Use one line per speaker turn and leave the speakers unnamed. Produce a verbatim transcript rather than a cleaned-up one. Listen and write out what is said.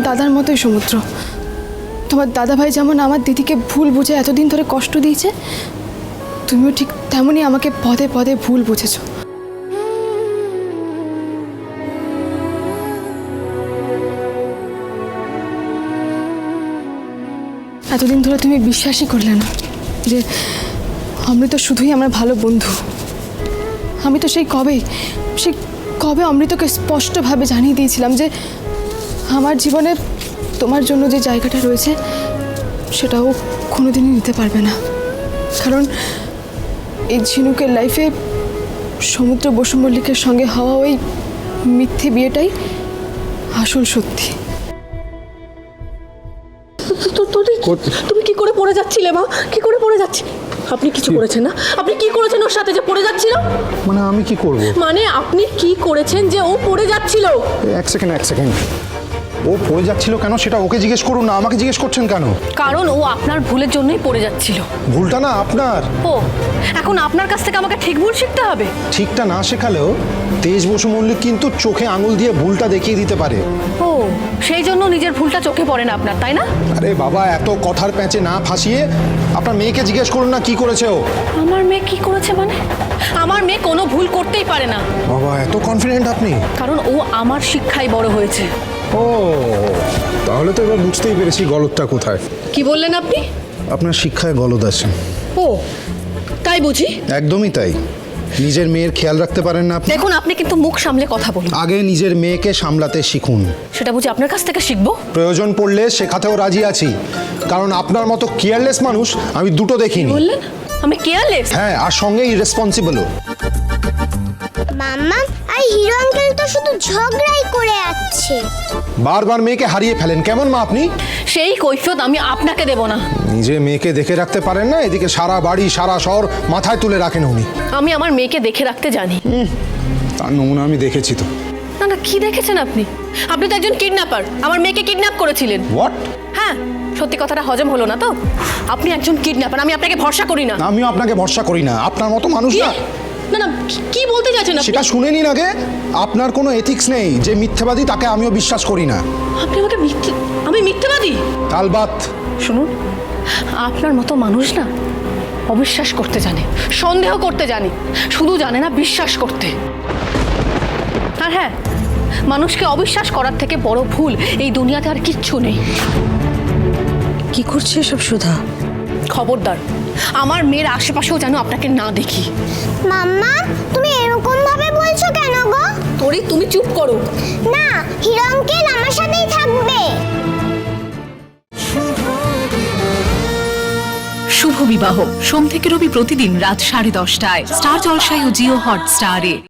দাদার মতোই সমুদ্র। তোমার দাদাভাই যেমন আমার দিদিকে ভুল বুঝে এতদিন ধরে কষ্ট দিয়েছে, তুমিও ঠিক তেমনই আমাকে পদে পদে ভুল বুঝেছো। এতদিন ধরে তুমি বিশ্বাসই করলে না যে অমৃত শুধুই আমার ভালো বন্ধু। আমি তো সেই কবে সেই কবে অমৃতকে স্পষ্টভাবে জানিয়ে দিয়েছিলাম যে আমার জীবনে তোমার জন্য যে জায়গাটা রয়েছে সেটাও কোনোদিনই নিতে পারবে না। কারণ এই ঝিনুকের লাইফে সমুদ্র বসু মল্লিকের সঙ্গে হওয়া ওই মিথ্যে বিয়েটাই আসল সত্যি।
তুমি কি করে পড়ে যাচ্ছিলে মা? কি করে পড়ে যাচ্ছি? আপনি কিছু করেছেন না? আপনি কি করেছেন ওর সাথে যে পড়ে যাচ্ছিল?
মানে আমি কি করব?
মানে আপনি কি করেছেন যে ও পড়ে যাচ্ছিল?
এক সেকেন্ড এক সেকেন্ড ও পড়ে যাচ্ছিল কেন সেটা ওকে জিজ্ঞেস করুন না, আমাকে জিজ্ঞেস করছেন কেন?
কারণ ও আপনার ভুলের জন্যই পড়ে যাচ্ছিল।
ভুলটা না আপনার।
ও এখন আপনার কাছ থেকে আমাকে ঠিক ভুল শিখতে হবে?
ঠিকটা না শেখালেও তেজ বসু মল্লিক কিন্তু চোখে আঙুল দিয়ে ভুলটা দেখিয়ে দিতে পারে।
ও সেই জন্য নিজের ভুলটা চোখে পড়ে না আপনার, তাই না?
আরে বাবা, এত কথার প্যাঁচে না ফাঁসিয়ে আপনার মেয়েকে জিজ্ঞেস করুন না কি করেছে ও।
আমার মেয়ে কি করেছে মানে? আমার মেয়ে কোনো ভুল করতেই পারে না।
বাবা এত কনফিডেন্ট আপনি?
কারণ ও আমার শিক্ষায় বড় হয়েছে।
ও তাহলে তো এবার বুঝতেই পেরেছি গলদটা কোথায়।
কি বললেন আপনি?
আপনার শিক্ষায় গলদ আছে।
ও তাই বুঝি?
একদমই তাই। নিজের মেয়ের খেয়াল রাখতে পারেন না আপনি?
দেখুন আপনি কিন্তু মুখ সামলে কথা বলুন।
আগে নিজের মেয়েকে সামলাতে শিখুন।
সেটা বুঝি আপনার কাছ থেকে শিখবো?
প্রয়োজন পড়লে শেখাতেও রাজি আছি, কারণ আপনার মতো কেয়ারলেস মানুষ আমি দুটো দেখিনি।
বললেন আমি কেয়ারলেস?
হ্যাঁ, আর সঙ্গে ইরেসপন্সিবলও।
মাম্মা আর হিরো আঙ্কেল তো শুধু ঝগড়াই করে যাচ্ছে।
বারবার মেয়েকে হারিয়ে ফেলেন, কেমন মা আপনি?
সেই কৈফিয়ত আমি আপনাকে দেব না।
নিজে মেয়েকে দেখে রাখতে পারেন না, এদিকে সারা বাড়ি সারা শহর মাথায় তুলে রাখেন উনি।
আমি আমার মেয়েকে দেখে রাখতে জানি।
তার নমুনা আমি দেখেছি তো।
না না, কি দেখেছেন আপনি? আপনি তো একজন কিডন্যাপার, আমার মেয়েকে কিডন্যাপ করেছিলেন।
হোয়াট?
হ্যাঁ, সত্যি কথাটা হজম হলো না তো? আপনি একজন কিডন্যাপার, আমি আপনাকে ভরসা করি না।
আমিও আপনাকে ভরসা করি না, আপনার মতো মানুষ না।
না না, কি বলতে চাইছেন আপনি?
সেটা শুনে নিন আগে। আপনার কোনো এথিক্স নেই, যে মিথ্যাবাদী তাকে আমিও বিশ্বাস করি না।
আপনি আমাকে মিথ্যে, আমি মিথ্যাবাদী?
তালবাত।
শুনুন, আপনার মতো মানুষ না অবিশ্বাস করতে জানে, সন্দেহ করতে জানে, শুধু জানে না বিশ্বাস করতে। আর হ্যাঁ, মানুষকে অবিশ্বাস করার থেকে বড় ভুল এই দুনিয়াতে আর কিচ্ছু নেই।
কি করছে সব সুধা?
খবরদার, আমার মেয়ের আশেপাশেও যেন আপনাকে না দেখি।
মাম্মা তুমি এরকম ভাবে বলছো কেন গো?
তোরে তুমি চুপ করো
না, হিরো আঙ্কেল আমার সাথেই থাকবে।
শুভ বিবাহ সোম থেকে রবি প্রতিদিন রাত সাড়ে দশটায় স্টার জলসায় ও জিও হটস্টারে।